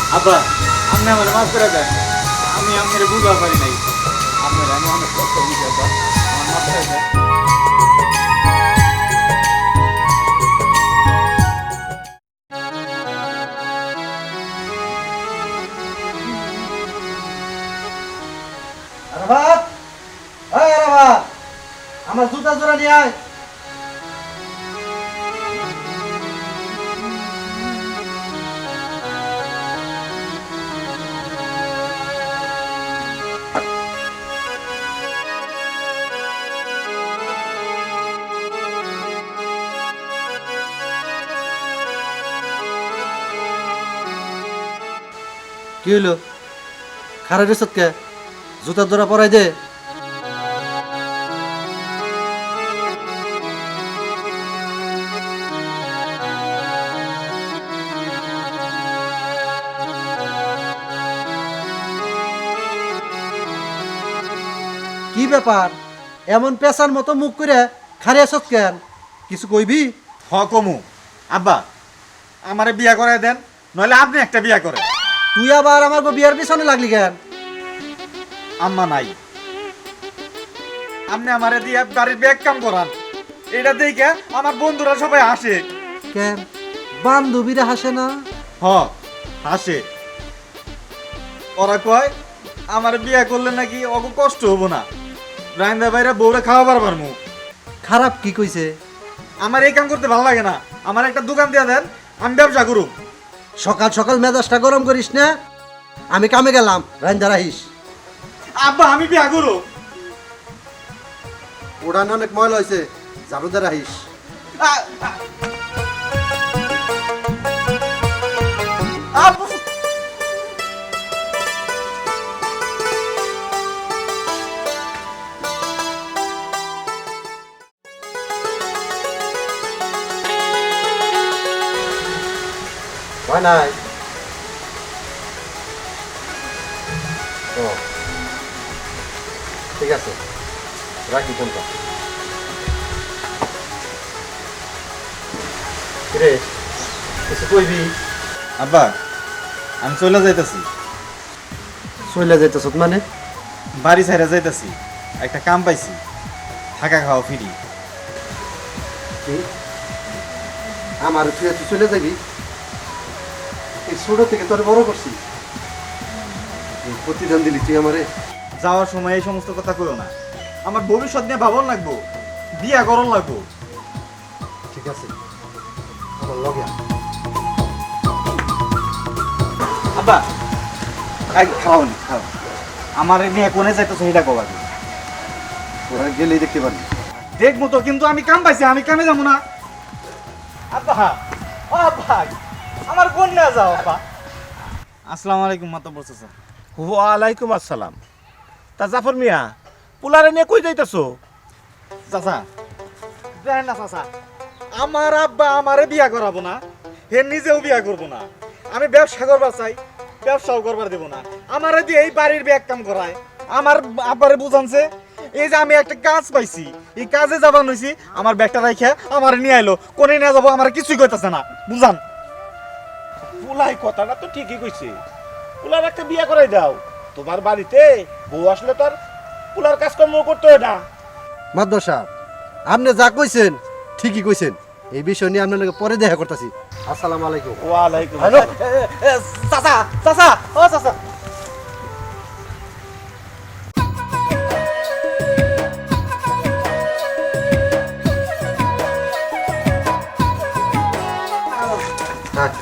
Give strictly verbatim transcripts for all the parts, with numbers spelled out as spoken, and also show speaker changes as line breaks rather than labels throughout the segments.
আব্বা আপনি আমার মাফ করে দেন, আমি আপনার বুঝতে পারি নাই, আপনার আমি অনেক কষ্ট বুঝি আব্বা, আমার মাফ করে দেন।
আরাফাত, এই আরাফাত, আমার জুতা জোড়া নিয়ে আয়। কি হইলো? খারাপ রেসত কে? জুতা জোড়া পরাই দে। কি ব্যাপার, এমন পেশার মতো মুখ করে খারে আসত কেন? কিছু কইবি?
হ কমু আব্বা, আমারে বিয়া করাই দেন, নইলে আপনি একটা বিয়া করেন।
তুই আবার আমার গো বিয়ার পিছনে লাগলি কেন?
আম্মা নাই, আপনি আমারে দিয়ে বাড়ির ব্যাগ কাম করান, এটা দেখে আমার বন্ধুরা সবাই হাসে।
কেন বান্ধবীরা হাসে না?
হ হাসে, ওরা কয় আমার বিয়া করলে নাকি অত কষ্ট হবো না, রাইন্দা বাইরে বউরে খাওয়া পারবার মু।
খারাপ কি কইছে?
আমার এই কাম করতে ভালো লাগে না, আমার একটা দোকান দিয়ে দেন, আমি ব্যবসা করুম।
সকাল সকাল মেজাজটা গরম করিস না, আমি কামে গেলাম, রাইন্দা রাহিস।
আব্বা আমি বিয়া করু।
ওড়ান অনেক ময়লা হয়েছে, ঝাড়ুদা রাহিস।
আ- আ- আব্বু
হয় নাই? ও ঠিক আছে, রাখি ফোনটা। রে কিছু কইবি?
আব্বা আমি চলে যাইতাছি,
চলে যাইতেছ মানে?
বাড়ি ছাইরা যাইতাছি, একটা কাম পাইছি, থাকা খাওয়া ফ্রি।
কি আমার তুই তুই চলে যাবি? এই ছোট থেকে তোর বড় করছি, এই প্রতিদান দিলি তুই আমারে।
যাওয়ার সময় এই সমস্ত কথা কইও না, আমার ভবিষ্যৎ নিয়ে ভাবন লাগবো, বিয়া করন লাগবো।
ঠিক আছে, আমার লগে আয়।
আব্বা খাওয়ান খাও, আমার নিয়ে কোনে যাইতেছে সেটা কবা,
ওরা গেলেই দেখতে পারবি।
দেখবো তো, কিন্তু আমি কাম পাইছি, আমি কামে যাবো না। আব্বা ও ভাই, আমার কোন না যাও আব্বা। আসসালামু আলাইকুম মাতাব্বর চাচা।
ওয়ালাইকুম আসসালাম। তা জাফর মিয়া, পোলারে নিয়ে কই যাইতেছো?
চাচা দেখেন না চাচা, আমার আব্বা আমারে বিয়া করাবো না, হে নিজেও বিয়া করবো না। আমি ব্যবসা করবার চাই, ব্যবসাও করবার দেবো না, আমারে দিয়ে এই বাড়ির ব্যাগ কাম করায়। আমার আব্বারে বুঝানছে, এই যে আমি একটা কাজ পাইছি, এই কাজে যাবান হইছি, আমার ব্যাগটা রাইখা আমার নিয়ে আইলো, কোনে নিয়ে যাবো আমার কিছুই কইতাছে না, বুঝান।
পোলাই কথাটা তো ঠিকই কইছে, পোলার একটা বিয়া করাই দাও। তোমার বাড়িতে বউ আসলে তো আর পোলার কাজকর্ম করতে হয় না।
মাদ্রাস সাহেব, আপনি যা কইছেন ঠিকই কইছেন, এই বিষয় নিয়ে আপনার লগে পরে দেখা করতেছি। আসসালামু আলাইকুম।
ওয়ালাইকুম
হ্যালো
চাচা চাচা ও চাচা,
হ্যাঁ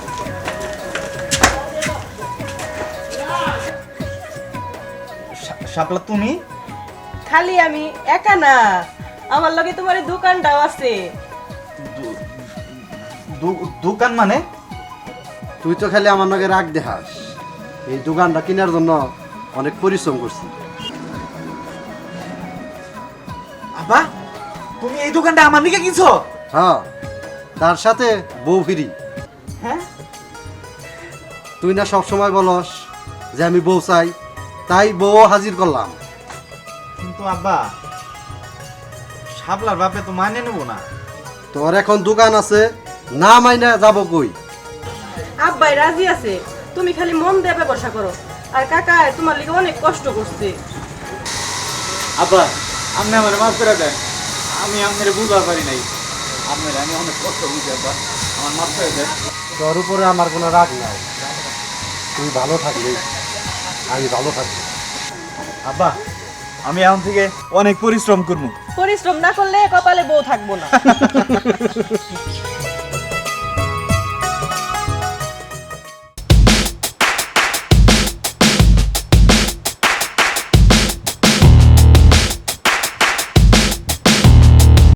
শাপলা তুমি?
খালি আমি একা না, আমার লগে তোমার এই দোকানটাও আছে।
দু- দু- দোকান মানে?
তুই তো খালি আমার লগে রাগ দেখাস, এই দোকানটা কেনার জন্য অনেক পরিশ্রম করছি।
আব্বা তুমি এই দোকানটা আমার দিকে কিনছো?
হ্যাঁ, তার সাথে বউ ফিরি।
হ্যাঁ
তুই না সব সময় বলস যে আমি বউ চাই, তাই বউ হাজির করলাম।
কিন্তু আব্বা শাপলার বাপে তো মানে নেবো না।
তোর এখন দোকান আছে, না মাইনা যাব কই?
আব্বাই রাজি আছে, তুমি খালি মন দিয়ে ব্যবসা করো। আর কাকা তোমার লিগে অনেক কষ্ট করছে।
আব্বা আপনি আমার মাফ করে দেন, আমি আপনার বুঝতে পারি নাই, আপনার আমি অনেক কষ্ট বুঝি আব্বা, আমার মাফ করে দেন।
তোর উপরে আমার কোনো রাগ নাই, তুই ভালো থাকবি, আমি ভালো থাকবো।
আব্বা আমি এখন থেকে অনেক পরিশ্রম করবো।
পরিশ্রম না করলে কপালে বউ থাকবো না।